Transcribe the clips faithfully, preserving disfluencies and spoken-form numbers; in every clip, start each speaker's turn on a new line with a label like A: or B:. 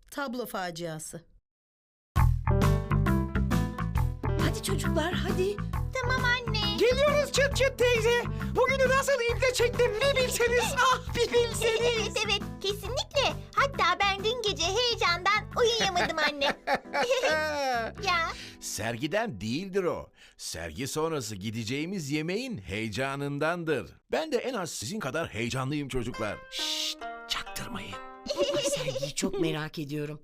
A: Tablo faciası.
B: Hadi çocuklar hadi.
C: Tamam anne.
D: Geliyoruz çıt çıt teyze. Bugünü nasıl iple çektim bir bilseniz. Ah bir bilseniz.
C: Evet evet kesinlikle. Hatta ben dün gece heyecandan uyuyamadım anne. Ya
E: Sergiden değildir o. Sergi sonrası gideceğimiz yemeğin heyecanındandır. Ben de en az sizin kadar heyecanlıyım çocuklar. Şşt, çaktırmayın.
B: Ay, sergiyi çok merak ediyorum.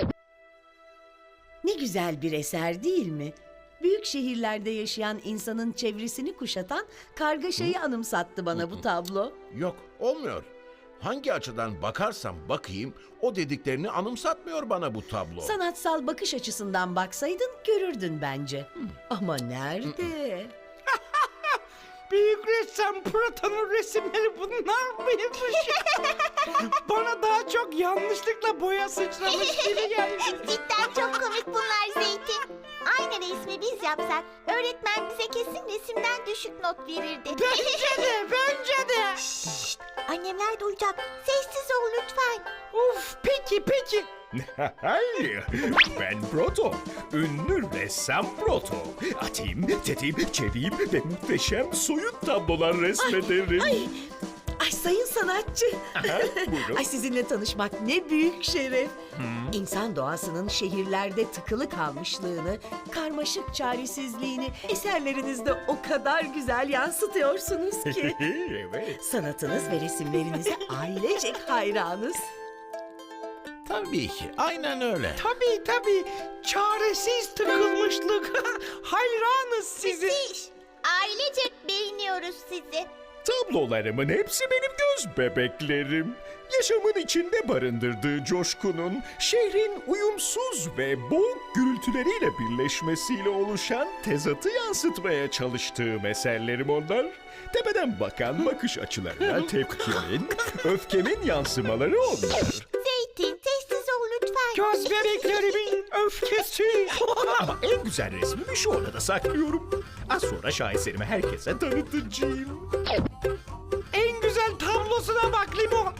B: Ne güzel bir eser değil mi? Büyük şehirlerde yaşayan insanın çevresini kuşatan kargaşayı anımsattı bana bu tablo.
E: Yok, olmuyor. Hangi açıdan bakarsam bakayım o dediklerini anımsatmıyor bana bu tablo.
B: Sanatsal bakış açısından baksaydın görürdün bence. Ama nerede?
D: Büyük ressam Proton'un resimleri bunlar mıymış? Bana daha çok yanlışlıkla boya sıçramış gibi geldi.
C: cidden çok komik bunlar Zeytin. Aynı resmi biz yapsak öğretmen bize kesin resimden düşük not verirdi.
D: Bence de, bence de.
C: Şşt, annemler duyacak. Sessiz ol lütfen.
D: Uf, peki, peki.
F: Hayır, ben Proto. Ünlü ressam Proto. Atayım, tetiğim, çeviğim ve muhteşem soyut tablolar resmederim.
B: Ay, ay sayın sanatçı.
F: Aha, buyurun.
B: Ay sizinle tanışmak ne büyük şeref. İnsan doğasının şehirlerde tıkılı kalmışlığını, karmaşık çaresizliğini eserlerinizde o kadar güzel yansıtıyorsunuz ki.
F: Evet.
B: Sanatınız ve resimlerinize ailecek hayranız.
E: Tabii ki, aynen öyle.
D: Tabii tabii. Çaresiz tıkılmışlık. Hayranız sizi.
C: Müthiş. Ailecek beğeniyoruz sizi.
F: Tablolarımın hepsi benim göz bebeklerim. Yaşamın içinde barındırdığı coşkunun, şehrin uyumsuz ve boğuk gürültüleriyle birleşmesiyle oluşan tezatı yansıtmaya çalıştığım eserlerim onlar. Tepeden bakan bakış açılarına tepkimin, öfkemin yansımaları onlar.
C: Zeytin sessiz ol lütfen.
D: Göz bebeklerimin öfkesi.
F: Ama en güzel resmimi şu odada saklıyorum. Az sonra şaheserimi herkese tanıtacağım.
D: En güzel tablosuna bak Limon.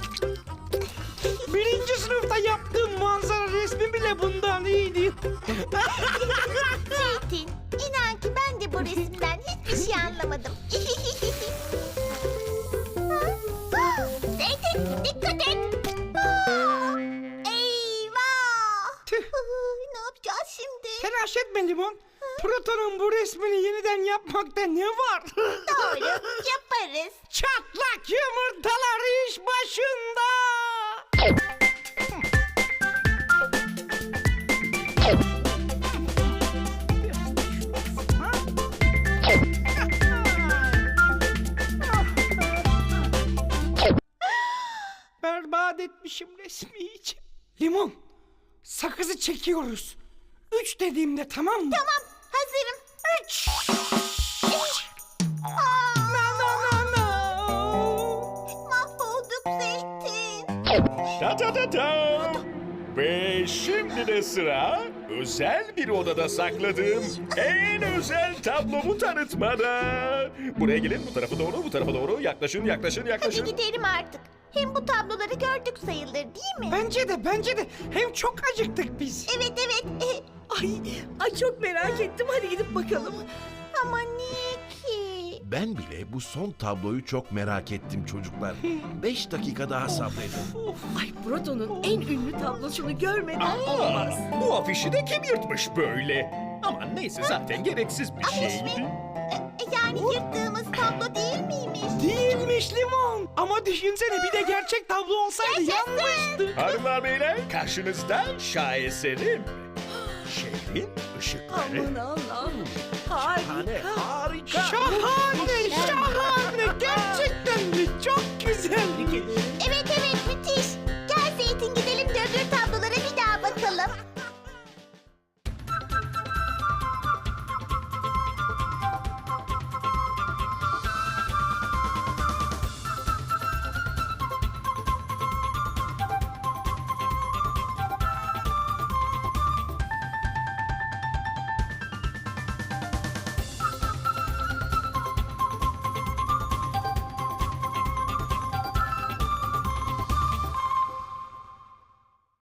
D: Birinci sınıfta yaptığım manzara resmi bile bundan iyiydi.
C: Zeytin inan ki ben de bu resimden hiçbir şey anlamadım. Zeytin dikkat et. Aa, eyvah.
D: Tüh.
C: Ne yapacağız şimdi?
D: Telaş etme Limon. Proton'un bu resmini yeniden yapmakta ne var?
C: Doğru yaparız.
D: Çatlak yumurtalar iş başında. Berbat etmişim resmi iyice. Limon, sakızı çekiyoruz. Üç dediğimde tamam mı?
C: Tamam hazırım.
D: Üç. Na na na na.
C: Mahvolduk Zeytin.
F: Ta ta ta ta. Ve şimdi de sıra özel bir odada sakladığım en özel tablomu tanıtmada. Buraya gelin, bu tarafa doğru, bu tarafa doğru. Yaklaşın, yaklaşın,
C: Hadi
F: yaklaşın.
C: gidelim artık. Hem bu tabloları gördük sayılır değil mi?
D: Bence de bence de. Hem çok acıktık biz.
C: Evet evet.
B: Ay, ay çok merak ettim. Hadi gidip bakalım.
C: Ama niye ki?
E: Ben bile bu son tabloyu çok merak ettim çocuklar. Beş dakika daha sabredin.
B: Ay Proto'nun en ünlü tablosunu görmeden olmaz.
F: Aa, bu afişi de kim yırtmış böyle? Aman neyse, zaten gereksiz bir
C: Afiş
F: şeydi.
C: mi? E, yani yırttığımız tablo değil miymiş?
D: Değilmiş Limon. Ama düşünsene bir de gerçek tablo olsaydı yanmıştı.
F: Hanımlar beyler, karşınızda şaheserim. Şehrin ışıkları.
B: Aman Allah'ım. Harika.
E: Harika.
D: Şahane şahane. Gerçekten de çok güzel.
B: Tebrik ederim.